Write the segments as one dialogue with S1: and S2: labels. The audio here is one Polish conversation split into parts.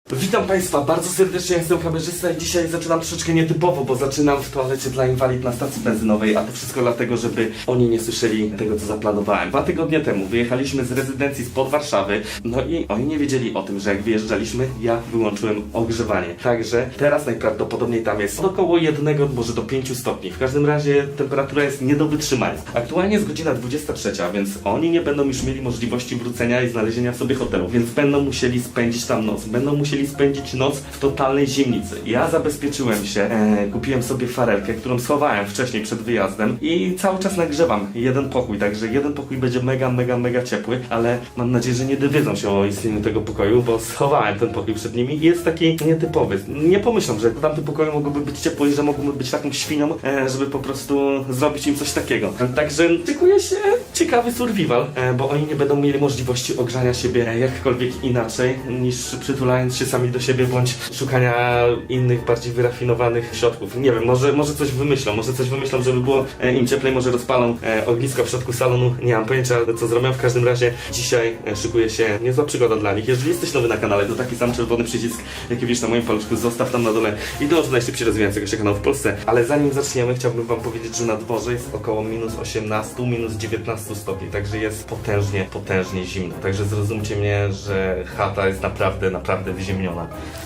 S1: Witam Państwa bardzo serdecznie, ja jestem kamerzysta i dzisiaj zaczynam troszeczkę nietypowo, bo zaczynam w toalecie dla inwalid na stacji benzynowej, a to wszystko dlatego, żeby oni nie słyszeli tego, co zaplanowałem. 2 tygodnie temu wyjechaliśmy z rezydencji spod Warszawy, no i oni nie wiedzieli o tym, że jak wyjeżdżaliśmy, ja wyłączyłem ogrzewanie. Także teraz najprawdopodobniej tam jest około 1, może do 5 stopni. W każdym razie temperatura jest nie do wytrzymania. Aktualnie jest godzina 23, więc oni nie będą już mieli możliwości wrócenia i znalezienia sobie hotelu, więc będą musieli spędzić tam noc. Będą musieli spędzić noc w totalnej zimnicy. Ja zabezpieczyłem się, kupiłem sobie farelkę, którą schowałem wcześniej przed wyjazdem i cały czas nagrzewam jeden pokój, także jeden pokój będzie mega ciepły, ale mam nadzieję, że nie dowiedzą się o istnieniu tego pokoju, bo schowałem ten pokój przed nimi i jest taki nietypowy. Nie pomyślą, że w tamtym pokoju mogłoby być ciepło i że mogłoby być taką świnią, żeby po prostu zrobić im coś takiego. Także szykuje się ciekawy survival, bo oni nie będą mieli możliwości ogrzania siebie jakkolwiek inaczej niż przytulając się sami do siebie, bądź szukania innych, bardziej wyrafinowanych środków. Nie wiem, może coś wymyślą, żeby było im cieplej, może rozpalą ognisko w środku salonu, nie mam pojęcia, co zrobią. W każdym razie dzisiaj szykuje się niezła przygoda dla nich. Jeżeli jesteś nowy na kanale, to taki sam czerwony przycisk, jaki widzisz na moim paluszku, zostaw tam na dole i dąż do najszybciej rozwijającego się kanału w Polsce. Ale zanim zaczniemy, chciałbym wam powiedzieć, że na dworze jest około minus 18, minus 19 stopni, także jest potężnie zimno. Także zrozumcie mnie, że chata jest naprawdę wyziemniona.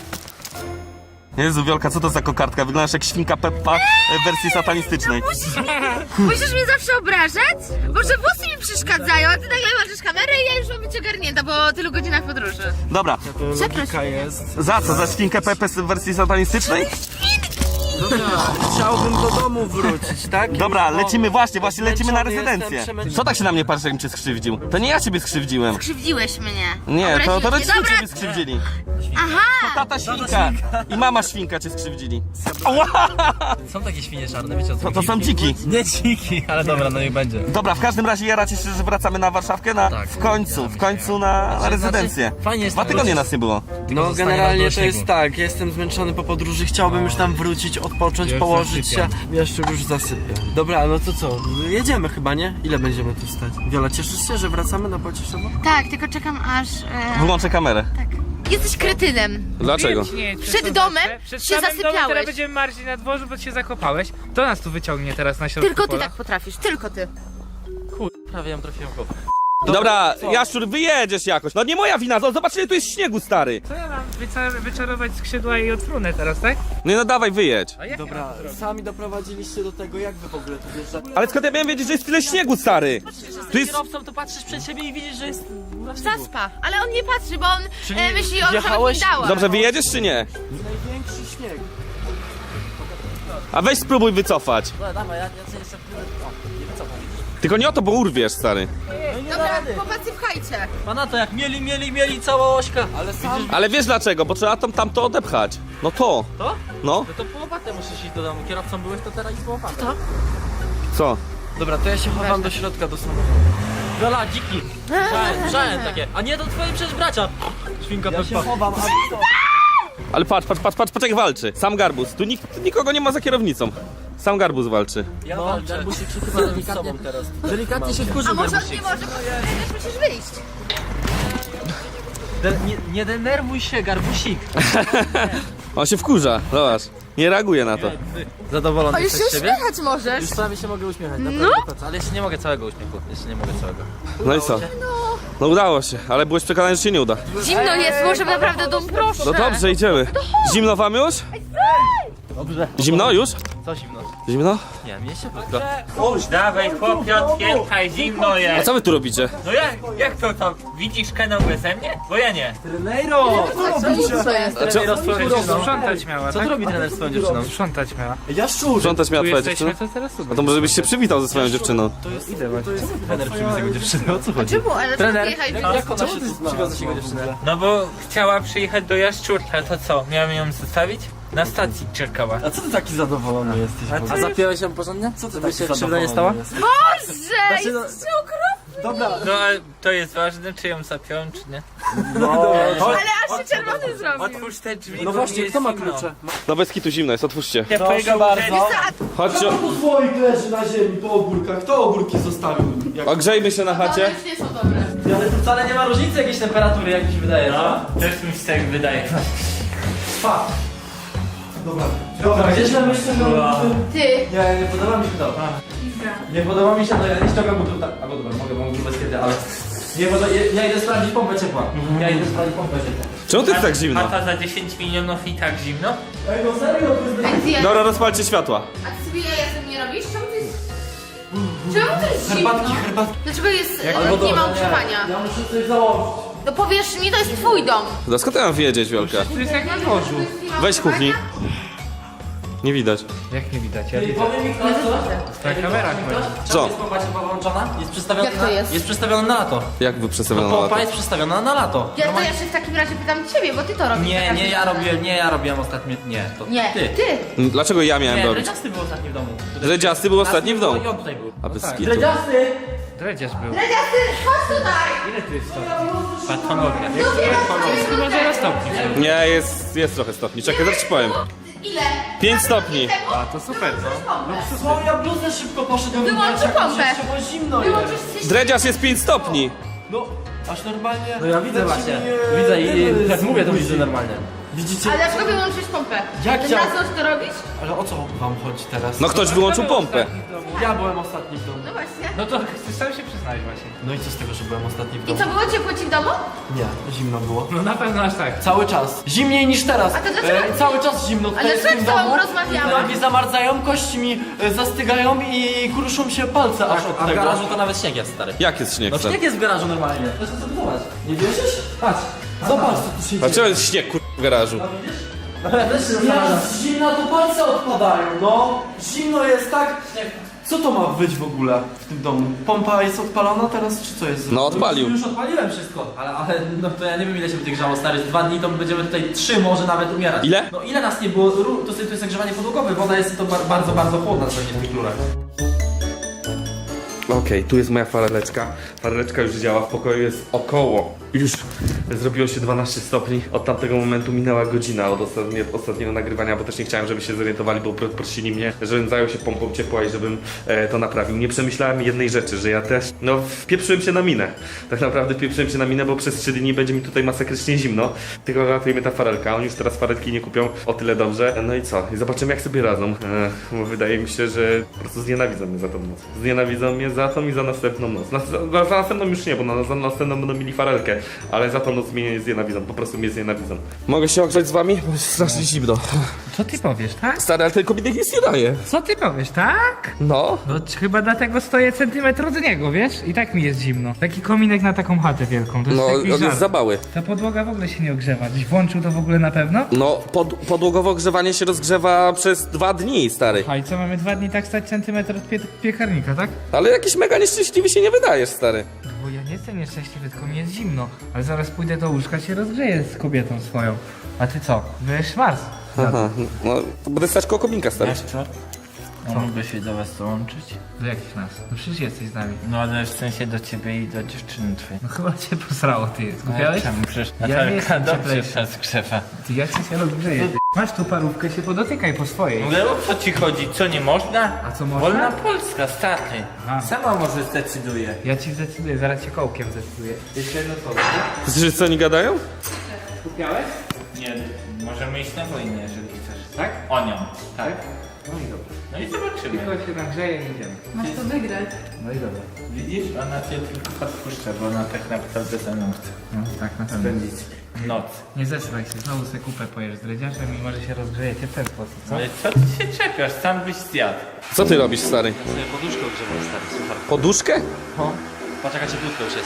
S1: Jezu, Wiolka, co to za kokardka? Wyglądasz jak świnka Peppa w wersji satanistycznej.
S2: Musisz mnie zawsze obrażać? Może włosy mi przeszkadzają, a ty nagle masz kamerę i ja już mam być ogarnięta po tylu godzinach podróży.
S1: Dobra.
S2: Przepraszam.
S1: Za co? Za świnkę Peppę w wersji satanistycznej?
S3: Dobra, chciałbym do domu wrócić, tak?
S1: Dobra, lecimy właśnie lecimy na
S3: Zmęczony
S1: rezydencję.
S3: jestem, przemęczony.
S1: Co tak się na mnie patrzysz, jakbym cię skrzywdził? To nie ja ciebie skrzywdziłem.
S2: Krzywdziłeś mnie.
S1: Nie, to
S2: Obraziłeś
S1: rodzice
S2: mnie.
S1: ciebie skrzywdzili.
S2: Aha!
S1: Tata świnka i mama świnka cię skrzywdzili.
S4: Są takie świnie czarne, wiecie o co?
S1: To są dziki.
S4: Nie dziki, ale dobra, no i będzie.
S1: Dobra, w każdym razie jaracie się, że wracamy na Warszawkę
S4: Tak.
S1: w końcu na rezydencję.
S4: fajnie jest
S1: 2
S4: tam
S1: tygodnie
S4: wrócić.
S1: nas nie było.
S3: No
S4: zostanie
S3: generalnie
S4: nam do
S3: to jest
S4: śniegu.
S3: tak, jestem zmęczony po podróży, chciałbym już tam wrócić, odpocząć,
S4: Ja już
S3: położyć się.
S4: zasypiam.
S3: Jeszcze już zasypię. Dobra, no to co? Jedziemy chyba, nie? Ile będziemy tu stać? Wiola, cieszysz się, że wracamy na Pocieszowo?
S2: Tak, tylko czekam aż...
S1: Wyłączę kamerę.
S2: Tak. Jesteś kretynem.
S1: Dlaczego?
S2: Przed domem
S5: Przed
S2: się
S5: samym domem
S2: zasypiałeś.
S5: teraz będziemy marzyć na dworzu, bo się zakopałeś. To nas tu wyciągnie teraz na środku
S2: Tylko ty
S5: pola.
S2: tak potrafisz, tylko ty.
S4: Prawie ją trafiłem w głowę.
S1: Dobra, Jaszczur, wyjedziesz jakoś. No nie moja wina, zobacz ile tu jest śniegu, stary.
S5: Co ja mam wyczarować skrzydła i odfrunę teraz, tak?
S1: No dawaj, wyjedź.
S5: A jak ja
S3: Dobra,
S5: mam to zrobić?
S3: sami doprowadziliście do tego, jak wy w ogóle tu wjeżdżacie?
S1: Ale skąd ja miałem wiedzieć, że jest tyle śniegu, stary? Tu jest...
S4: Kierowcą to patrzysz przed siebie i widzisz, że jest...
S2: Zaspa, ale on nie patrzy, bo on myśli o
S3: wjechałeś?
S2: dała.
S1: Dobrze, wyjedziesz czy nie?
S3: Największy śnieg.
S1: A weź spróbuj wycofać.
S4: Dobra, dawaj, ja sobie jeszcze... Nie wycofam.
S1: Tylko nie o to, bo urwiesz, stary.
S2: Dobra, chłopacy, pchajcie.
S4: Pana to jak mieli cała ośka.
S3: Ale sam...
S1: Ale wiesz dlaczego? Bo trzeba tamto odepchać. No to.
S4: To?
S1: No.
S4: No to po łopatę musisz iść do domu. Kierowcą byłeś, to teraz idź po łopatę.
S2: To?
S1: Co?
S3: Dobra, to ja się chowam do środka, do samochodu.
S4: Wiola, dziki. Żałem takie. A nie, to twoje przecież bracia. Świnka
S3: Ja się
S4: Peppa.
S3: chowam, a wy co?
S1: Ale patrz jak walczy. Sam Garbus. Tu nikogo nie ma za kierownicą. Sam Garbus walczy.
S4: Ja walczę. Garbusik się chyba delikatnie teraz. Delikatnie się wkurzył
S2: A może on
S4: Garbusik.
S2: nie może, bo też musisz wyjść.
S4: Nie denerwuj się, Garbusik.
S1: On się wkurza, zobacz. Nie reaguje na to.
S4: Zadowolony
S2: O, już się
S4: jesteś z siebie?
S2: uśmiechać możesz.
S4: Już prawie się mogę uśmiechać, naprawdę, ale jeszcze nie mogę całego uśmiechu. Jeszcze nie mogę całego.
S1: No i co? No udało się, ale byłeś przekonany, że się nie uda.
S2: Zimno jest, może naprawdę dom, proszę.
S1: No dobrze, idziemy. Zimno wam już?
S4: Dobrze.
S1: Zimno już?
S4: Co zimno?
S1: Zimno?
S4: Nie, mnie się podoba.
S6: Dawaj chłopie, otwieraj, zimno
S1: A
S6: jest.
S1: co wy tu robicie?
S6: No jak to? Widzisz kanał beze mnie? Bo ja nie.
S3: Trenero!
S5: Sprzątać miała,
S4: Co
S5: tak?
S4: tu robi trener z twoją dziewczyną?
S5: Sprzątać miała.
S3: Jaszczur!
S1: Sprzątać miała
S5: Tu
S1: twoja
S5: jesteśmy,
S1: dziewczyna?
S5: to teraz
S1: A
S5: super.
S1: to może byś się przywitał ze swoją dziewczyną.
S4: Trener przywiózł jego dziewczynę, o co chodzi?
S2: Czemu? Ale
S4: Trener,
S2: jechać
S4: jak ona się tu przywiozłeś jego dziewczynę?
S6: No bo chciała przyjechać do Jaszczurka, to co? Miałem ją zostawić? Na stacji czekała.
S3: A co ty taki zadowolony jesteś?
S4: A zapiąłeś ją porządnie?
S3: Co ty
S4: Żeby
S3: taki
S4: się krzywda
S3: zadowolony
S4: nie stała?
S3: jesteś?
S2: Boże,
S4: no-
S2: jest okropny.
S3: Dobra,
S6: No a to jest ważne, czy ją zapiąłem, czy nie?
S2: Ale aż się czerwony zrobił.
S6: Otwórz te drzwi,
S3: no
S6: bo
S3: właśnie,
S6: mi
S3: kto ma
S6: jest zimno.
S3: klucze?
S1: No bez kitu zimno jest, otwórzcie.
S6: Ciepłego
S3: bardzo.
S1: Chodźcie,
S3: Tu słoik leży na ziemi po ogórkach. Kto ogórki zostawił?
S1: ogrzejmy się na chacie.
S2: One już nie są dobre.
S4: Ale tu wcale nie ma różnicy jakiejś temperatury, jak mi się wydaje,
S6: No, też mi się tak wydaje.
S3: Dobra, gdzieś tam myślę, że...
S2: Ty.
S3: Nie podoba mi się to. Nie podoba mi się to, ja nie ściągam go tutaj. Albo dobra, mogę bez kiedy, ale... Nie, bo ja idę sprawdzić pompę ciepła. Ja idę sprawdzić pompę ciepła.
S1: Czemu to jest tak zimno?
S6: A ta za 10 milionów i tak zimno?
S3: Ej, no serio, to jest...
S2: A ty,
S1: Dobra, rozpalcie światła.
S2: a ty sobie jaja ze mnie robisz? Czemu to jest zimno?
S3: herbatki.
S2: Dlaczego jest,
S3: Albo
S2: nie ma
S3: dobra,
S2: utrzymania?
S3: Ja muszę coś założyć.
S2: No powiesz mi, to jest twój dom.
S1: No skąd ja mam wiedzieć, Wiolka?
S5: To jest jak na dworzu.
S1: Weź z kuchni. Nie widać.
S5: Jak nie widać, ja
S3: Ej,
S5: widzę.
S3: powie mi ktoś co?
S5: Ta kamera chodzi.
S1: Co?
S3: Jest pompa ciepła włączona? Jest przedstawiona
S2: Jak to jest?
S3: Jest przedstawiona na lato.
S1: Jak wy przedstawiono na
S3: Pompa
S1: lato?
S3: jest przedstawiona na lato.
S2: Ja to ja się w takim razie pytam ciebie, bo ty to robisz.
S3: Nie, ja robiłem ostatnio. Nie, to
S2: Nie,
S3: ty.
S2: ty.
S1: Dlaczego ja miałem
S3: Nie,
S1: robić?
S3: Dredziasty był ostatni w domu.
S1: Dredziasty był ostatni w domu.
S3: I on tutaj był.
S1: A bez
S3: tak.
S1: skitu.
S3: Dredziasty!
S5: Dredziarz był.
S2: Dredziasty, chodź tutaj!
S5: Ile tu jest stopni?
S6: Patologia.
S5: Jest chyba 0 stopni.
S1: Nie, jest trochę stopni. Czekaj, zaraz ci powiem.
S2: Ile?
S1: 5 stopni.
S5: A, to super, no.
S3: Co, ja bluzę szybko poszedłem.
S2: Wyłącz pompę.
S3: Bo zimno jest.
S2: Wyłączysz się...
S1: Dredziarz jest 5 stopni.
S3: No, aż normalnie.
S4: No ja widzę właśnie. Widzę i jak mówię, to widzę normalnie.
S3: Widzicie?
S2: Ale dlaczego wyłączyć pompę?
S3: Jak
S2: Ty
S3: ja-
S2: na co to robisz?
S3: Ale o co wam chodzi teraz?
S1: No ktoś wyłączył pompę.
S3: Ja byłem ostatni w domu.
S2: No właśnie.
S5: No to chcesz sam się przyznać właśnie.
S3: No i co z tego, że byłem ostatni w
S2: I
S3: domu?
S2: co, było ciepło ci w domu?
S3: Nie, zimno było.
S5: No na pewno aż tak.
S3: Cały czas. Zimniej niż teraz.
S2: A to dlaczego-
S3: Cały czas zimno. Tutaj
S2: Ale
S3: w tym
S2: przed tobą
S3: domu.
S2: rozmawiałam.
S3: Nogi zamarzają, kości mi zastygają i kruszą się palce aż od
S4: A w
S3: tego.
S4: garażu to nawet śnieg jest, stary.
S1: Jak jest śnieg?
S4: No śnieg jest w garażu normalnie.
S3: Proszę sobie zobacz. Nie wierzysz? Patrz. Zobacz co tu się
S1: Dlaczego jest śnieg w garażu?
S3: Ja z zimna to palce odpadają, no. Zimno jest tak. Co to ma być w ogóle w tym domu? Pompa jest odpalona teraz, czy co jest?
S1: No odpalił.
S3: Już odpaliłem wszystko.
S4: Ale no to ja nie wiem ile się będzie grzało, stary. Z 2 dni to będziemy tutaj 3 może nawet umierać.
S1: Ile?
S4: No ile nas nie było? To jest zagrzewanie podłogowe. Woda jest to bardzo, bardzo chłodna pewnie w tych rurach.
S1: Okej, tu jest moja fareleczka. Fareleczka już działa, w pokoju jest około. Już zrobiło się 12 stopni. Od tamtego momentu minęła godzina od ostatniego nagrywania, bo też nie chciałem, żeby się zorientowali, bo prosili mnie, żebym zajął się pompą ciepła i żebym to naprawił. Nie przemyślałem jednej rzeczy, że ja też, no wpieprzyłem się na minę. Tak naprawdę wpieprzyłem się na minę, bo przez 3 dni będzie mi tutaj masakrycznie zimno. Tylko ratuje mnie ta farelka. Oni już teraz farelki nie kupią, o tyle dobrze. No i co? I zobaczymy jak sobie radzą. Bo wydaje mi się, że po prostu znienawidzą mnie za tą noc. Znienawidzą mnie za tą i za następną noc. Za następną już nie, bo za następną będą mieli farelkę. Ale za tą noc mnie znienawidzą, po prostu mnie znienawidzą. Mogę się ogrzać z wami? Bo jest strasznie zimno.
S5: Co ty powiesz, tak?
S1: Stary, ale ten kominek nic nie daje.
S5: Co ty powiesz, tak?
S1: No.
S5: No chyba dlatego stoję centymetr od niego, wiesz? I tak mi jest zimno. Taki kominek na taką chatę wielką, to jest
S1: No,
S5: taki
S1: on jest
S5: żart.
S1: za mały.
S5: Ta podłoga w ogóle się nie ogrzewa. Gdzieś włączył to w ogóle na pewno?
S1: No, podłogowe ogrzewanie się rozgrzewa przez 2 dni, stary.
S5: A i co, mamy 2 dni tak stać centymetr od piekarnika, tak?
S1: Ale jakiś mega nieszczęśliwy się nie wydajesz, stary.
S5: Bo ja nie jestem nieszczęśliwy, tylko mi jest zimno. Ale zaraz pójdę do łóżka, się rozgrzeję z kobietą swoją. A ty co? Byłeś Mars.
S1: Aha, no, to będę stać koło kominka, stary.
S6: co? No mogę się do was dołączyć?
S5: Do jakich nas? No przecież jesteś z nami.
S6: No ale w sensie do ciebie i do dziewczyny twojej.
S5: No chyba cię posrało, ty. Skupiałeś?
S6: Czemu? Przecież
S5: Ja nie
S6: Natalka
S5: jestem
S6: dobrze
S5: cieplejszy.
S6: się zgrzewa.
S5: Ty, ja ci się rozgrzeję, ty. Masz tu parówkę, się podotykaj po swojej.
S6: Ale o co ci chodzi? Co, nie można?
S5: A co można?
S6: Wolna Polska, stary.
S5: A.
S6: Sama może zdecyduje.
S5: Ja ci zdecyduję, zaraz cię kołkiem zdecyduję. Jeszcze jedno słowo.
S1: Słyszysz, co oni gadają?
S5: Skupiałeś?
S6: Nie, możemy iść na wojnę, jeżeli chcesz.
S5: Tak?
S6: O nią. Tak.
S5: No i dobra.
S6: No i zobaczymy.
S5: Tylko się nagrzeje i idziemy.
S2: Masz to wygrać.
S5: No i dobra.
S6: Widzisz? Ona cię tylko podpuszcza, bo ona tak naprawdę ze mną chce
S5: No tak, na pewno.
S6: noc.
S5: Nie zesraj się, znowu se kupę pojesz z dredziarzem i może się rozgrzejecie w ten sposób, co?
S6: Ale co ty się czepiasz? Sam byś zjadł.
S1: Co ty robisz, stary?
S4: Sobie poduszkę ogrzewam, stary, słuchaj.
S1: Poduszkę?
S4: Patrz jaka cieplutko już jest.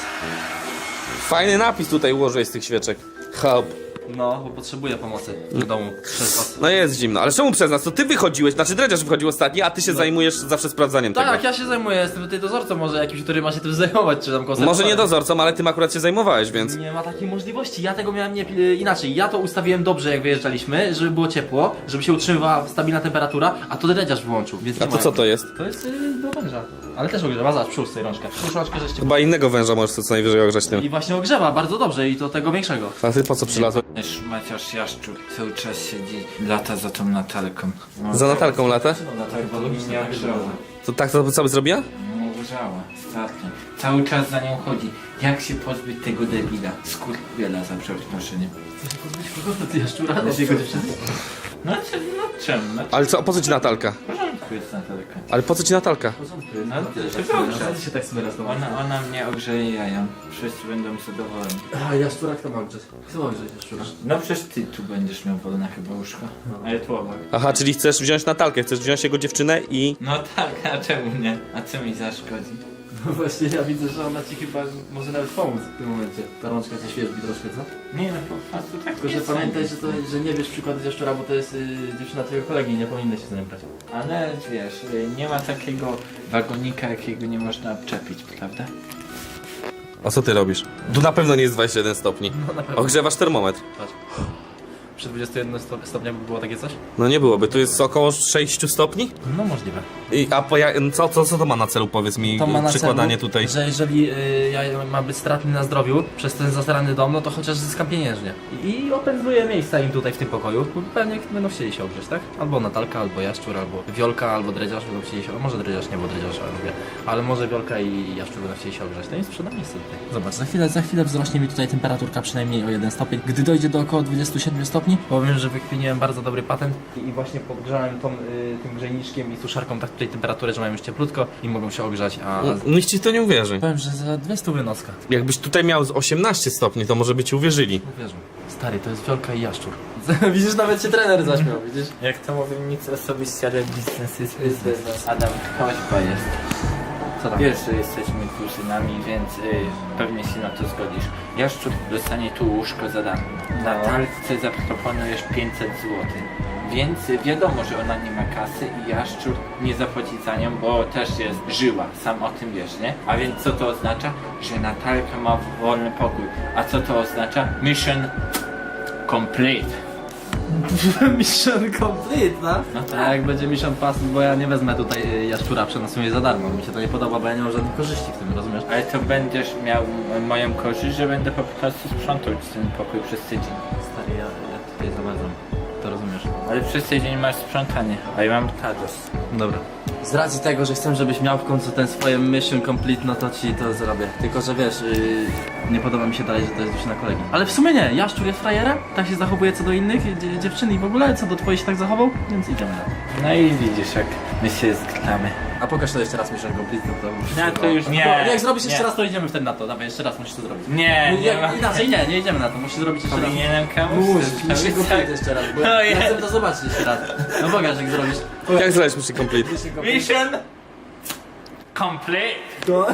S1: Fajny napis tutaj ułożyłeś z tych świeczek. Help.
S4: No, bo potrzebuję pomocy w domu przez was.
S1: No jest zimno, ale czemu przez nas? To ty wychodziłeś, znaczy dredziarz wychodził ostatni, a ty się zajmujesz zawsze sprawdzaniem
S4: Tak,
S1: tego.
S4: ja się zajmuję, jestem tutaj dozorcą może jakimś, który ma się tym zajmować, czy tam konserwatorem.
S1: Może nie dozorcą, ale tym akurat się zajmowałeś, więc...
S4: Nie ma takiej możliwości, ja tego miałem inaczej. Ja to ustawiłem dobrze jak wyjeżdżaliśmy, żeby było ciepło, żeby się utrzymywała stabilna temperatura, a to dredziarz wyłączył, więc
S1: A
S4: nie
S1: to
S4: ma
S1: co
S4: jak-
S1: to jest?
S4: To jest do węża. Ale też ogrzewa, zobacz, przyłóż sobie rączkę. Przyłóż rączkę, żeście...
S1: Chyba innego węża możesz co najwyżej ogrzać tym.
S4: I właśnie ogrzewa bardzo dobrze i to tego większego.
S1: A ty po co przylazłeś?
S6: Maciasz Jaszczur cały czas siedzi, lata za tą Natalką. No,
S1: Za Natalką latę?
S6: No tak, bo logicznie ogrzała.
S1: To tak to co by zrobiła?
S6: No ogrzała, ostatnio. Cały czas za nią chodzi. Jak się pozbyć tego debila? Skurwiela za przeproszeniem.
S4: Ty jaszczura, z jego dziewczyny.
S6: No czemu? No,
S1: Ale co, po co ci Natalka?
S6: w porządku jest Natalka.
S1: Ale po co ci Natalka?
S6: No,
S4: Co się tak sobie raz
S6: ona mnie ogrzeje jaja. Wszyscy będą zadowoleni.
S4: A jaszczura kto ma grzeć? Kto ma grzeć jaszczura?
S6: No przecież ty tu będziesz miał wolne chyba łóżko. Ale tu obok.
S1: Aha, czyli chcesz wziąć Natalkę, chcesz wziąć jego dziewczynę i...
S6: No tak, a czemu nie? A co mi zaszkodzi?
S4: No właśnie ja widzę, że ona ci chyba może nawet pomóc w tym momencie. Ta rączka cię świeżbi troszkę, co?
S6: Nie no, po prostu tak
S4: Tylko, że
S6: jest.
S4: pamiętaj, że nie wiesz przykładu z jaszczura, bo to jest dziewczyna twojego kolegi i nie powinny się za nią brać.
S6: Ale wiesz, nie ma takiego wagonika, jakiego nie można odczepić, prawda?
S1: A co ty robisz? Tu na pewno nie jest 21 stopni.
S4: No na pewno.
S1: Ogrzewasz termometr.
S4: Patrz. Przy 21 stopniach by było takie coś?
S1: No nie byłoby, tu jest około 6 stopni?
S4: No możliwe.
S1: Co to ma na celu, powiedz mi,
S4: To ma na
S1: przykładanie
S4: celu,
S1: tutaj?
S4: że jeżeli ja mam być stratny na zdrowiu przez ten zasrany dom, no to chociaż zyskam pieniężnie. I opędzluję miejsca im tutaj w tym pokoju, bo pewnie będą chcieli się ogrzeć, tak? Albo Natalka, albo Jaszczur, albo Wiolka, albo Dredziarz będą chcieli się, a może Dredziarz nie, bo Dredziarz lubię, ale może Wiolka i Jaszczur będą chcieli się ogrzeć, to im sprzedam miejsce tutaj. Zobacz, za chwilę wzrośnie mi tutaj temperaturka przynajmniej o 1 stopień. Gdy dojdzie do około 27 stopni, powiem, że wykminiłem bardzo dobry patent i właśnie podgrzałem tym grzejniczkiem i suszarką tak tutaj temperaturę, że mają już cieplutko i mogą się ogrzać, a
S1: Nikt ci to nie uwierzy.
S4: powiem, że za 200 wynoska.
S1: Jakbyś tutaj miał z 18 stopni, to może by ci uwierzyli.
S4: Uwierzę. Stary, to jest Wiolka i Jaszczur. Widzisz, nawet się trener zaśmiał, widzisz?
S6: Jak to mówię, nic osobiście, ale biznes jest biznes. Adam, prośba jest.
S4: Co tam?
S6: Wiesz, że jesteśmy kuzynami, więc pewnie się na to zgodzisz. Jaszczur dostanie tu łóżko za darmo. Natalce zaproponujesz 500 zł. Więc wiadomo, że ona nie ma kasy i Jaszczur nie zapłaci za nią, bo też jest żyła, sam o tym wiesz, nie? A więc co to oznacza? Że Natalka ma wolny pokój. A co to oznacza? Mission complete.
S4: Mission complete, no?
S6: No
S4: A
S6: tak.
S4: jak będzie Mission Pass, bo ja nie wezmę tutaj Jaszczura, przenosuję za darmo. Mi się to nie podoba, bo ja nie mam żadnych korzyści w tym, rozumiesz?
S6: Ale to będziesz miał moją korzyść, że będę po prostu sprzątał ci ten pokój przez tydzień.
S4: Stary, ja tutaj zawadzam. To rozumiesz?
S6: Ale przez tydzień masz sprzątanie, a ja mam tados.
S4: Dobra. Z racji tego, że chcę, żebyś miał w końcu ten swoje mission complete, no to ci to zrobię. Tylko, że wiesz, nie podoba mi się dalej, że to jest dziewczyna kolegi. Ale w sumie nie, Jaszczur jest frajerem, tak się zachowuje co do innych dziewczyn i w ogóle co do twojej się tak zachował, więc idziemy na to.
S6: No i widzisz, jak my się zgramy.
S4: A pokaż to jeszcze raz mission complete, no to...
S6: No to już nie.
S4: No, jak zrobisz jeszcze
S6: nie.
S4: raz, to idziemy wtedy na to. Dawaj, jeszcze raz musisz to zrobić.
S6: Nie, nie ma.
S4: Inaczej nie idziemy na to, musisz zrobić jeszcze raz.
S6: Powinienem komuś
S4: Mission
S6: zrobić
S4: complete
S6: tak.
S4: jeszcze raz, bo
S6: No
S4: ja
S6: jest.
S4: chcę to zobaczyć jeszcze raz. No pokaż, jak zrobisz.
S1: Jak znaleźć Mission Complete?
S6: Mission complete.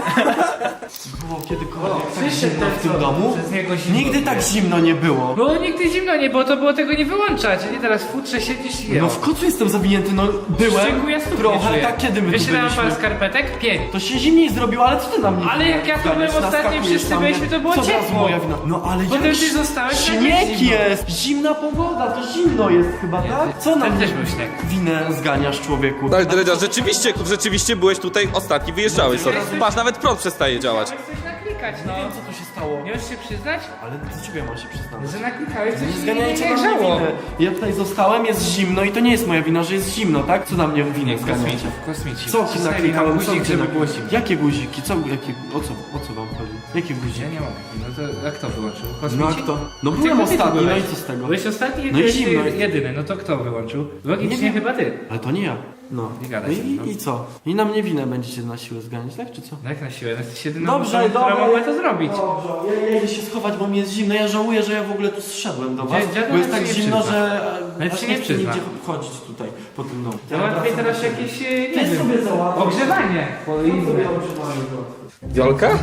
S3: Było kiedykolwiek tak zimno w tym domu?
S5: Przez niego zimno
S3: Nigdy tak zimno nie było.
S5: Było nigdy zimno nie było, to było tego nie wyłączać. A nie teraz w futrze siedzisz i
S3: No w kocu jestem zawinięty, no byłem
S5: Szczęku ja stóp nie
S3: trochę,
S5: czuję.
S3: tak kiedy my tu
S5: Wyślałem
S3: byliśmy?
S5: parę skarpetek? 5.
S3: To się zimniej zrobiło, ale co ty na mnie
S5: Ale jak ja tu byłem
S3: zganiasz,
S5: ostatnio,
S3: naskakujesz
S5: wszyscy
S3: na mnie?
S5: byliśmy, to było
S3: Co teraz
S5: ciepło.
S3: moja wina? No ale
S5: Potem
S3: jak
S5: ty zostałeś, nagle
S3: śnieg
S5: zimno.
S3: jest, zimna pogoda, to zimno jest chyba, tak? Co na
S5: Tam
S3: mnie
S5: też był śnieg.
S3: winę zganiasz, człowieku?
S1: Ale Dredziarz, rzeczywiście byłeś tutaj ostatni, wyjeżdżałeś sobie. Patrz, nawet prąd przestaje działać.
S5: Chciałeś coś naklikać, no.
S3: Nie wiem co tu się stało.
S5: Nie możesz się przyznać?
S3: Ale do ciebie mam się przyznać.
S5: Że naklikałeś coś
S3: Nie
S5: i
S3: zganiajcie
S5: nie
S3: na mnie
S5: grzało.
S3: winę. Ja tutaj zostałem, jest zimno i to nie jest moja wina, że jest zimno, tak? Co na mnie winę zganiacie?
S5: Kosmici.
S3: Co ci naklikałem? Co
S5: guzik,
S3: ty
S5: żeby
S3: na-
S5: było zimno.
S3: Jakie guziki? O co wam chodzi? Jakie guziki?
S5: Ja nie mogę. No to jak to wyłączył?
S3: No
S5: Kosmici?
S3: jak to? No byłem
S5: Tylko ty tu
S3: ostatni, no
S5: byłeś.
S3: i co z tego?
S5: Byłeś ostatni i
S3: No i
S5: byłeś
S3: zimno.
S5: jedyny. No to kto wyłączył? Logicznie
S3: Nie wiem.
S5: chyba ty.
S3: Ale to nie ja. No.
S5: Nie gadaj
S3: No
S5: ze mną.
S3: i co? I na mnie winę będziecie na siłę zganiać, tak czy co?
S5: No jak na siłę? No jesteś jedyną
S3: Dobrze,
S5: osobą, która
S3: dobra,
S5: mogła to zrobić.
S3: Dobrze, ja idę się schować, bo mi jest zimno. Ja żałuję, że ja w ogóle tu zszedłem do was.
S5: Dziadek
S3: Bo jest
S5: się
S3: tak
S5: nie
S3: zimno,
S5: przyzna.
S3: że
S5: Ale
S3: aż
S5: się
S3: nie
S5: nie
S3: chcę
S5: przyzna.
S3: nigdzie chodzić tutaj, po tym domu.
S5: Załatwię teraz jakieś, nie
S3: Ty
S5: wiem,
S3: sobie załatwię.
S5: ogrzewanie. Poizmy.
S1: Wiolka?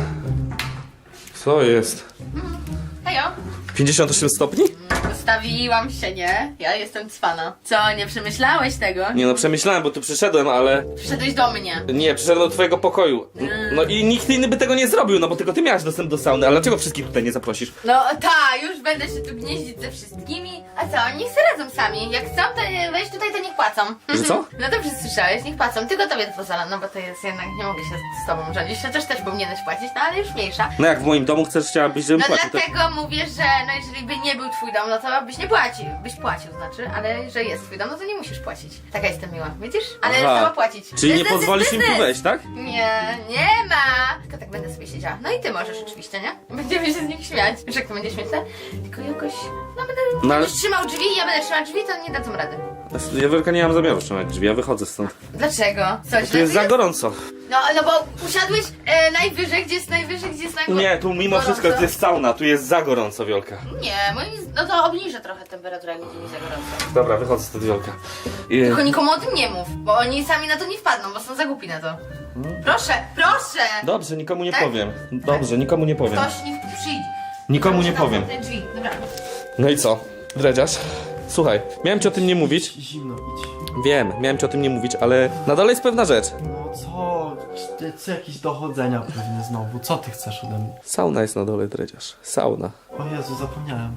S1: Co jest?
S2: Hejo.
S1: 58 stopni?
S2: Ustawiłam się, nie? Ja jestem cwana. Co, nie przemyślałeś tego?
S1: Nie no, przemyślałem, bo tu przyszedłem, ale...
S2: Przyszedłeś do mnie.
S1: Nie, przyszedłem do twojego pokoju. No i nikt inny by tego nie zrobił, no bo tylko ty miałaś dostęp do sauny, ale dlaczego wszystkich tutaj nie zaprosisz?
S2: No już będę się tu gnieździć ze wszystkimi. A co, niech se radzą sami. Jak chcą, to wejść tutaj, to niech płacą.
S1: Że co?
S2: No dobrze słyszałeś, niech płacą. Tylko tobie pozwala, no bo to jest jednak, nie mogę się z tobą rządzić. Chociaż też powinieneś płacić, no ale już mniejsza.
S1: No jak w moim domu chciałabyś, żebym
S2: No
S1: płacił, to...
S2: dlatego mówię, że no jeżeli by nie był twój dom, no to byś nie płacił. Byś płacił, znaczy, ale że jest twój dom, no to nie musisz płacić. Taka jestem miła, widzisz? Ale
S1: Aha.
S2: sama płacić.
S1: Czyli nie
S2: Biznes jest
S1: pozwolisz im tu
S2: biznes.
S1: wejść, tak?
S2: Nie ma. Tylko tak będę sobie siedziała. No i ty możesz oczywiście, nie? Będziemy się z nich śmiać. Wiesz jak to będzie śmieszne? Tylko jakoś, no będę,
S1: No ale-
S2: będziesz trzymał drzwi i ja będę trzymał drzwi, to nie dadzą rady.
S1: Ja Wielka nie mam zamiaru trzymać drzwi, ja wychodzę stąd.
S2: Dlaczego? Co,
S1: Tu jest za gorąco.
S2: No bo usiadłeś najwyżej, gdzie jest najwyżej, gdzie jest najgorąco.
S1: Nie, tu mimo wszystko to jest sauna, tu jest za gorąco, Wielka.
S2: Nie, no to obniżę trochę temperaturę, jak będzie mi za gorąco.
S1: Dobra, wychodzę stąd, Wielka. I...
S2: Tylko nikomu o tym nie mów, bo oni sami na to nie wpadną, bo są za głupi na to. Proszę, proszę!
S1: Dobrze, nikomu nie
S2: Tak?
S1: powiem. Dobrze, nikomu nie powiem.
S2: Ktoś niech przyjdzie.
S1: Nikomu nie
S2: Zamknę
S1: powiem.
S2: te drzwi. Dobra.
S1: No i co? Dredziarz? Słuchaj, miałem ci o tym nie mówić.
S3: Zimno, idź.
S1: Wiem, miałem ci o tym nie mówić, ale na dole jest pewna rzecz.
S3: No co jakieś dochodzenia pewnie znowu, co ty chcesz ode mnie?
S1: Sauna jest na dole, Dredziarz. Sauna.
S3: O Jezu, zapomniałem.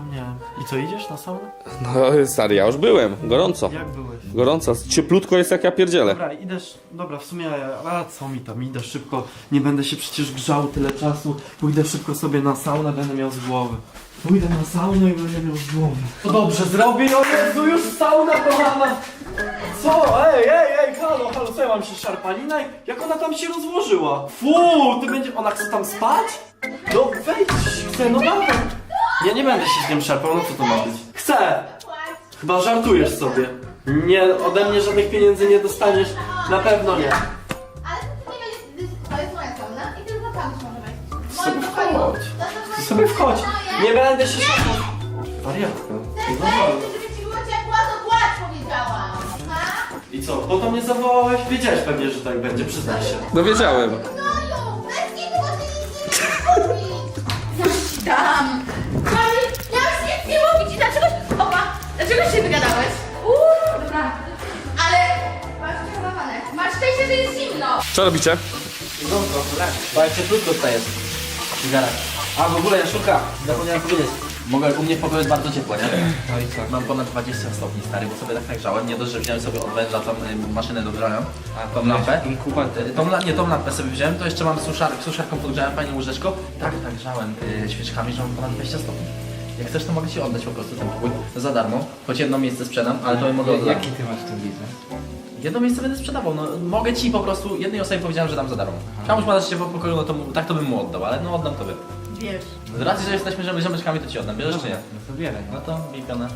S3: I co, idziesz na saunę?
S1: No stary, ja już byłem. Gorąco.
S3: Jak byłeś?
S1: Gorąco. Cieplutko jest jak ja pierdzielę.
S3: Dobra, dobra, w sumie, a co mi tam, idę szybko, nie będę się przecież grzał tyle czasu, pójdę szybko sobie na saunę, będę miał z głowy. Pójdę na saunę i będę miał z głowy. To dobrze zrobię, o Jezu, już sauna kochana! Co? Ej, halo, co ja mam się szarpalina? Jak ona tam się rozłożyła? Ona chce tam spać? No wejdź, chcę, no dawaj. Ja nie będę się z nim szarpał, no co to ma być? Chcę! Chyba żartujesz sobie. Nie, ode mnie żadnych pieniędzy nie dostaniesz, na pewno nie.
S2: Ale to nie będzie, to jest moja sauna i tylko tam może wejść.
S3: Sobie wchodź. Ty sobie wchodź. Nie będę się szarpał. Wariatka. No
S2: Żeby ci było ciepło, to płacz, powiedziałam.
S3: I co, po to mnie zawołałeś? Wiedziałeś pewnie, że tak będzie, przyznaj się.
S1: No wiedziałem.
S2: No już, bez niego ty nic nie mówić. Ja ci dam. Ja już nic nie mówić i dlaczego się wygadałeś? Dobra. Ale masz przechowywane. Masz szczęście, że jest zimno.
S1: Co robicie?
S4: Bo jak cieplutko tutaj jest. Cygara. A w ogóle Jaszczurka, zapomniałem powiedzieć. U mnie w pokoju jest bardzo ciepło, nie?
S5: No i co?
S4: Mam ponad 20 stopni stary, bo sobie tak nagrzałem. Nie dość, że wziąłem sobie od węża tą maszynę do grzania. A tą lampę. Tą lampę sobie wziąłem, to jeszcze mam suszarką podgrzałem fajnie łóżeczko. Tak nagrzałem świeczkami, że mam ponad 20 stopni. Jak chcesz, to mogę ci oddać po prostu ten pokój za darmo. Choć jedno miejsce sprzedam, ale to mogę oddać.
S5: Jaki ty masz tu biznes?
S4: Jedno miejsce będę sprzedawał, no mogę ci po prostu, jednej osobie powiedziałem, że dam za darmo. Kamuś ma dać się w pokoju, no to tak to bym mu oddał, ale no oddam tobie.
S2: Wiesz.
S4: Z racji, że jesteśmy ziomeczkami, to ci oddam, bierzesz czy nie?
S5: No to bieraj.
S4: No to bij pionę.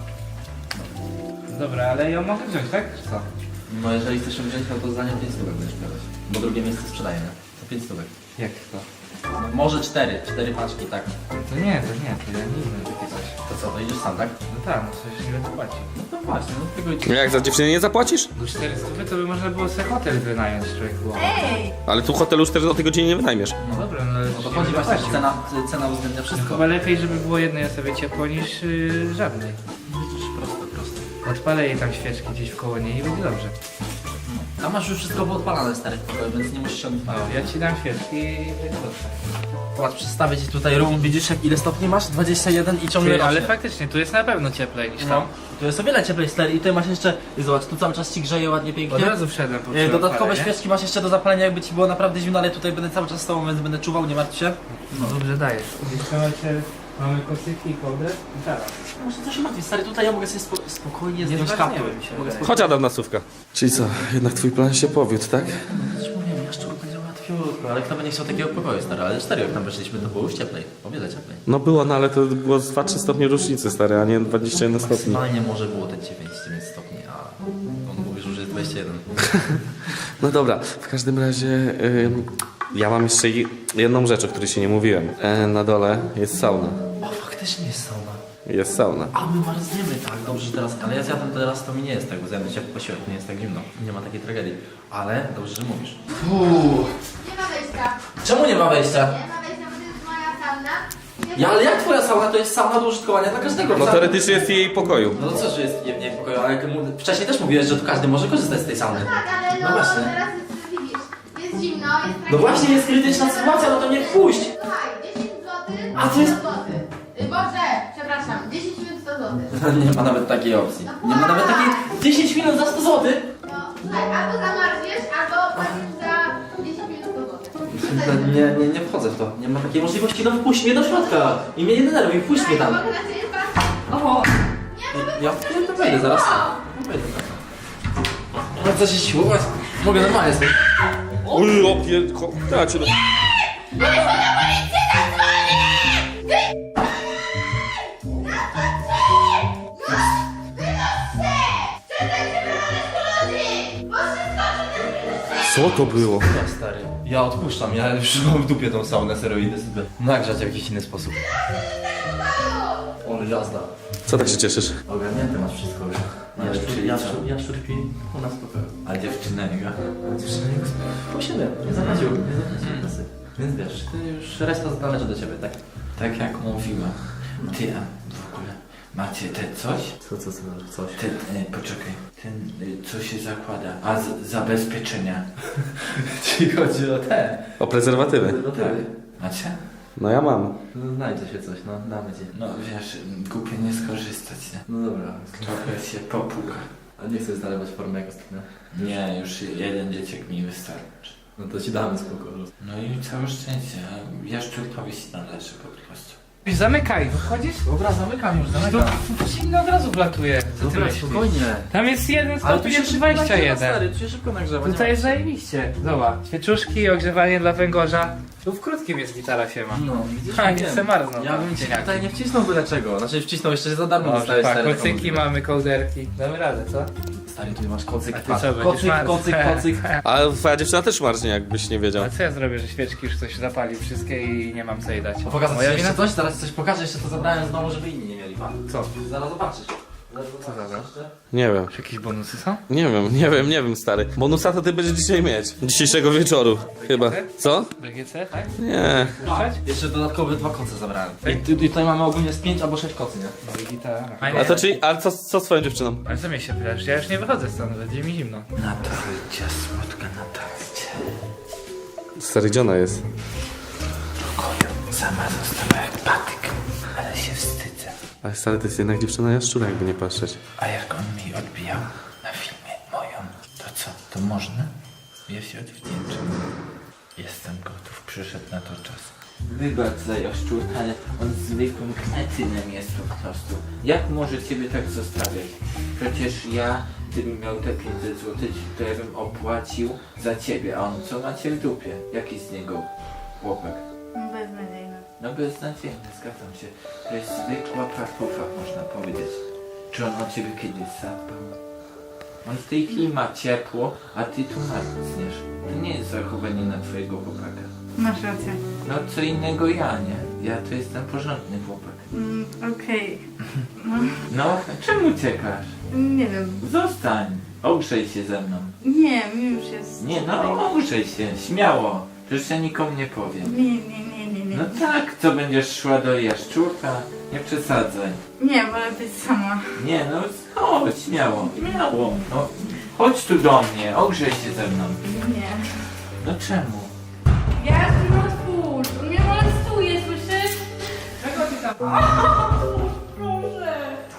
S5: Dobra, ale ją mogę wziąć, tak? Czy co?
S4: No jeżeli chcesz ją wziąć, no to za nią 5 stówek będziesz brać. Bo drugie miejsce sprzedaję, nie? To 5 stówek.
S5: Jak to?
S4: No, może 4 paczki, tak.
S5: To nie, to ja nie wiem takie coś.
S4: To co, to idziesz sam, tak?
S5: No tak, no coś nie będę płacił.
S4: No to właśnie, no tego idź.
S1: Jak za dziewczynę nie zapłacisz?
S5: No 400 to by można było sobie hotel wynająć, człowieku.
S2: Ej!
S1: Ale tu hotelu 4 o tej godzinie nie wynajmiesz.
S5: No dobra, no ale
S4: No to chodzi właśnie, że cena uwzględnia wszystko.
S5: Chyba lepiej, żeby było jednej osobie ciepło niż żadnej.
S4: Widzisz, prosto.
S5: Odpalę jej tam świeczki gdzieś wkoło niej i będzie dobrze.
S4: A masz już wszystko odpalane stary w pokoju, więc nie musisz się odpalać.
S5: O, ja ci dam świeczki i będzie dobrze.
S4: Zobacz, przedstawię ci tutaj room, widzisz jak ile stopni masz? 21 i ciągle
S5: Ty, ale
S4: rośnie.
S5: faktycznie, tu jest na pewno cieplej niż
S4: No,
S5: tam.
S4: tu jest o wiele cieplej stary i tutaj masz jeszcze, i zobacz, tu cały czas ci grzeje ładnie, pięknie.
S5: Od razu wszedłem po
S4: Dodatkowe
S5: nie?
S4: świeczki masz jeszcze do zapalenia, jakby ci było naprawdę zimno, ale tutaj będę cały czas z tobą, więc będę czuwał, nie martw się.
S5: No dobrze dajesz. Jeszcze mamy kocyki i kołdrę? Teraz.
S4: Może coś się martwi, stary, tutaj ja mogę sobie spokojnie zdjąć
S5: zważniemy
S4: kaptur.
S5: się.
S4: Mogę
S1: Chodź Adam na słówka. Czyli co, jednak twój plan się powiódł, tak?
S4: Coś mówiłem, Jaszczur będzie łatwiutko, ale kto by nie chciał takiego pokoju, stary, ale 4 jak tam weszliśmy, to było już cieplej, o wiele cieplej.
S1: No było, no ale to było z 2-3 stopnie różnicy, stary, a nie 21 stopni.
S4: Maksymalnie może było te 9 stopni, a on mówił, że jest 21.
S1: No dobra, w każdym razie ja mam jeszcze jedną rzecz, o której się nie mówiłem. Na dole jest sauna.
S4: O, faktycznie jest sauna.
S1: Jest sauna.
S4: A my marzniemy, tak, dobrze, że teraz, ale ja zjadłem teraz, to mi nie jest tak, bo zjadłem ciepły posiłek, nie jest tak zimno, nie ma takiej tragedii, ale dobrze, że mówisz.
S2: Nie ma wejścia.
S4: Czemu nie ma wejścia?
S2: Nie ma wejścia, bo to jest moja sauna.
S4: Ja, ale jak twoja sauna to jest sauna do użytkowania dla każdego?
S1: No teoretycznie jest w jej pokoju.
S4: No to co, że jest nie w pokoju, ale jak wcześniej też mówiłeś, że tu każdy może korzystać z tej sauny.
S2: Tak, ale
S4: No właśnie.
S2: teraz widzisz, jest zimno, jest
S4: No właśnie jest krytyczna sytuacja, no to nie wpuść.
S2: Słuchaj, 10 zł,
S4: A to jest-
S2: 100 zł. Boże, przepraszam, 10 minut 100 zł.
S4: Nie ma nawet takiej opcji. Nie ma nawet takiej 10 minut za 100 zł.
S2: No, słuchaj, albo zamarzniesz, albo płacisz za 10 minut 100 zł.
S4: Nie wchodzę w to. Nie ma takiej możliwości, no wpuść mnie do środka. I mnie nie denerwuj, wpuść mnie tam.
S2: Mogę na ciebie patrzeć? O!
S4: Ja to wejdę zaraz. Wejdę zaraz. No co się siłować? Mogę normalnie sobie.
S1: Uj, opierdko. Ja cię... Co to było?
S4: Ja stary. Ja odpuszczam, ja już mam w dupie tą saunę, serio idę sobie nagrzać w jakiś inny sposób. O, jazda.
S1: Co tak się cieszysz?
S4: Ogarnięte masz wszystko już. Jaszczur śpi u nas w pokoju.
S6: A dziewczyna jego?
S4: Dziewczyna po 7, nie zapłacił kasy. Więc wiesz, ty już reszta należy do ciebie, tak?
S6: Tak jak mówiłam. Ty, a w ogóle macie te coś?
S4: Coś?
S6: Ten, poczekaj, ten, co się zakłada? A, zabezpieczenia.
S4: Ci chodzi o te.
S1: O prezerwatywy.
S4: Do tyły.
S6: Macie?
S1: No ja mam.
S4: No, znajdzie się coś, no damy ci.
S6: No wiesz, głupio nie skorzystać, nie?
S4: No dobra.
S6: Trochę się popuka.
S4: A nie chcesz zalewać formę jak ostatnio?
S6: Nie, już jeden dzieciak mi wystarczy.
S4: No to ci damy spoko.
S6: No i całe szczęście, a jaszczurkowi się należy po prostu.
S5: Zamykaj, wychodzisz?
S4: Dobra, zamykam już,
S5: To
S4: zamykam.
S5: zimno od razu wlatuje. Co ty
S4: Dobra,
S5: myślisz?
S4: spokojnie.
S5: Tam jest 1
S4: Ale tu
S5: stopień,
S4: się
S5: jest
S4: szybko nagrzewa,
S5: 21.
S4: stary, tu się szybko nagrzewa. nie
S5: Tutaj jest
S4: ma-
S5: zajebiście. Zobacz, świeczuszki, ogrzewanie dla węgorza. Tu w krótkim jest gitara się ma.
S4: No, widzisz?
S5: A,
S4: wiem.
S5: nie chcę marznąć.
S4: Ja bym ci
S5: Cieniaki.
S4: tutaj nie wcisnął byle czego. Znaczy wcisnął jeszcze za darmo
S5: Dobrze,
S4: dostałeś
S5: tak,
S4: stary.
S5: kocyki mamy, kołderki. Damy radę, co?
S4: Stary, tu masz kocyk.
S5: A ty
S4: patrz.
S5: co, będziesz
S4: Kocyk,
S5: marł?
S4: kocyk, kocyk.
S1: Ale twoja dziewczyna też marznie, jakbyś nie wiedział.
S5: A co ja zrobię, że świeczki już coś zapali wszystkie i nie mam co jej dać?
S4: Pokazać ci
S5: Moja
S4: jeszcze
S5: wina?
S4: coś? Zaraz coś pokażę, jeszcze to zabrałem z domu, żeby inni nie mieli. Pa.
S5: Co?
S4: Zaraz zobaczysz.
S5: Co zabrać?
S1: Nie wiem.
S5: Czy jakieś bonusy są?
S1: Nie wiem, stary. Bonusa to ty będziesz dzisiaj mieć. Dzisiejszego wieczoru. Chyba. Co?
S5: BGC, tak?
S1: Nie.
S5: Puszczać?
S4: Jeszcze dodatkowe 2 koce zabrałem. I tutaj mamy ogólnie z 5 albo 6 kocy, nie?
S5: No i gitara.
S1: A to czyli, ale co z twoją dziewczyną?
S5: Ale co mnie się pytasz? Ja już nie wychodzę stąd, będzie mi zimno.
S6: Natalcia, słodka Natalcia.
S1: Stary, gdzie ona jest?
S6: Pokoju, sama została jak patyk, ale się wstydzę.
S1: Ale stary, to jest jednak dziewczyna jaszczura, jakby nie patrzeć.
S6: A jak on mi odbijał na filmie moją, to co, to można? Ja się odwdzięczę. Jestem gotów, przyszedł na to czas. Wybacz za jaszczur, ale on zwykłym kretynem jest po prostu. Jak może ciebie tak zostawiać? Przecież ja, gdybym miał te 500 zł, to ja bym opłacił za ciebie, a on co macie w dupie? Jaki z niego chłopak?
S2: Beznadziejne.
S6: No beznadziejny, zgadzam się. To jest zwykła partufa, można powiedzieć. Czy on o ciebie kiedyś zadbał? On w tej chwili ma ciepło, a ty tu martniesz. To nie jest zachowanie na twojego chłopaka.
S2: Masz rację.
S6: No co innego ja, nie? Ja to jestem porządny chłopak.
S2: Okej.
S6: No, czemu uciekasz?
S2: Nie wiem.
S6: Zostań. Ogrzej się ze mną.
S2: Nie, mi już jest...
S6: Nie, no ogrzej się, śmiało. Przecież ja nikomu nie powiem.
S2: Nie.
S6: No tak, co będziesz szła do jaszczurka? Nie przesadzaj.
S2: Nie, wolę być sama.
S6: Nie, no chodź, śmiało. No, chodź tu do mnie, ogrzej się ze mną.
S2: Nie.
S6: No czemu?
S2: Ja się otwórz. On mnie molestuje, słyszysz?
S5: Czego ty tam?
S2: Proszę.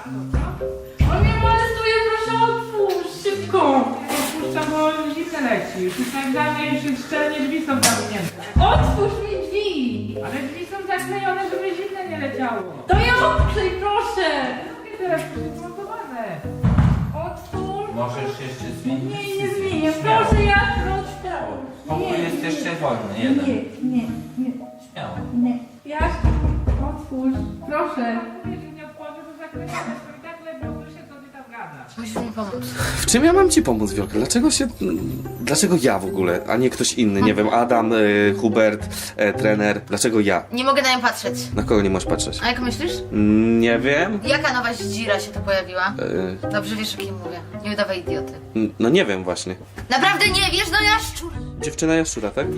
S2: On mnie molestuje, proszę otwórz. Szybko.
S5: Puszczam, bo zimne leci. Już tak dla mnie już szczelnie drzwi są zamknięte.
S2: Otwórz mi drzwi.
S5: Ale drzwi są zaklejone, żeby zimne nie leciało.
S2: To je odkryj, proszę.
S5: I teraz jest montowane.
S2: Otwórz.
S6: Możesz jeszcze zmienić?
S2: Nie zmienię. Proszę, ja
S6: Śmiało. Pokój jest jeszcze wolny, jeden.
S2: Nie.
S6: Śmiało.
S2: Jaś, otwórz. Proszę.
S5: Jeżeli nie otworzę, to zaklejone. To i tak lepiej słyszę, co ty tam gadasz.
S2: Musisz mi pomóc.
S1: W czym ja mam ci pomóc, Wiolka? Dlaczego ja w ogóle, a nie ktoś inny? Nie wiem, Adam, Hubert, trener. Dlaczego ja?
S2: Nie mogę na nią patrzeć.
S1: Na kogo nie możesz patrzeć?
S2: A jak myślisz?
S1: Nie wiem.
S2: Jaka nowa dzira się to pojawiła?
S1: E,
S2: Dobrze wiesz, o kim mówię. Nie udawaj idioty.
S1: no nie wiem właśnie.
S2: Naprawdę nie wiesz, no jaszczur!
S1: Dziewczyna jaszczura, tak?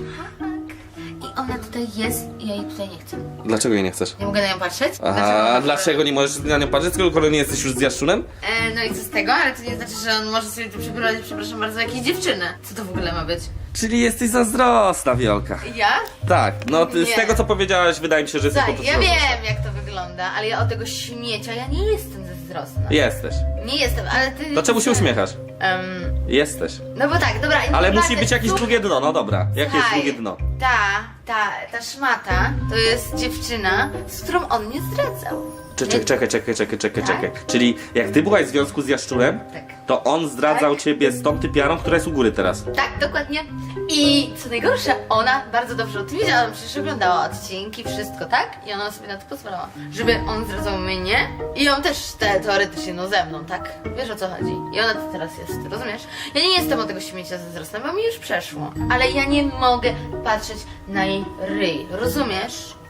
S2: I ona tutaj jest i ja jej tutaj nie chcę.
S1: Dlaczego jej nie chcesz?
S2: Nie mogę na nią patrzeć?
S1: A dlaczego nie możesz na nią patrzeć, skoro nie jesteś już z jaszczurem?
S2: No i co z tego? Ale to nie znaczy, że on może sobie tu przyprowadzić, przepraszam bardzo, jakieś dziewczynę. Co to w ogóle ma być?
S1: Czyli jesteś zazdrosna, Wiolka.
S2: Ja?
S1: Tak, no ty, z
S2: Nie.
S1: tego co powiedziałaś, wydaje mi się, że jesteś po
S2: Tak,
S1: prostu
S2: ja
S1: zazdrosna.
S2: wiem jak to wygląda, ale ja o tego śmiecia, ja nie jestem zazdrosna.
S1: Jesteś.
S2: Nie jestem, ale ty...
S1: Dlaczego się uśmiechasz?
S2: Em,
S1: Jesteś.
S2: no bo tak, dobra.
S1: Ale
S2: naprawdę,
S1: musi być jakieś
S2: słuchaj,
S1: drugie dno, no dobra. Jakie jest
S2: Słuchaj,
S1: drugie dno?
S2: Ta szmata to jest dziewczyna, z którą on mnie zdradzał.
S1: Czekaj. Czyli jak ty byłaś w związku z Jaszczurem,
S2: Tak.
S1: to on zdradzał
S2: Tak.
S1: ciebie z tą typiarą, która jest u góry teraz.
S2: Tak, dokładnie. I co najgorsze, ona bardzo dobrze o tym wiedziała, przecież oglądała odcinki, wszystko, tak? I ona sobie na to pozwalała, żeby on zdradzał mnie i on też teoretycznie, no ze mną, tak? Wiesz o co chodzi? I ona to teraz jest, rozumiesz? Ja nie jestem od tego śmiecia zazdrosna, bo mi już przeszło. Ale ja nie mogę patrzeć na jej ryj, rozumiesz?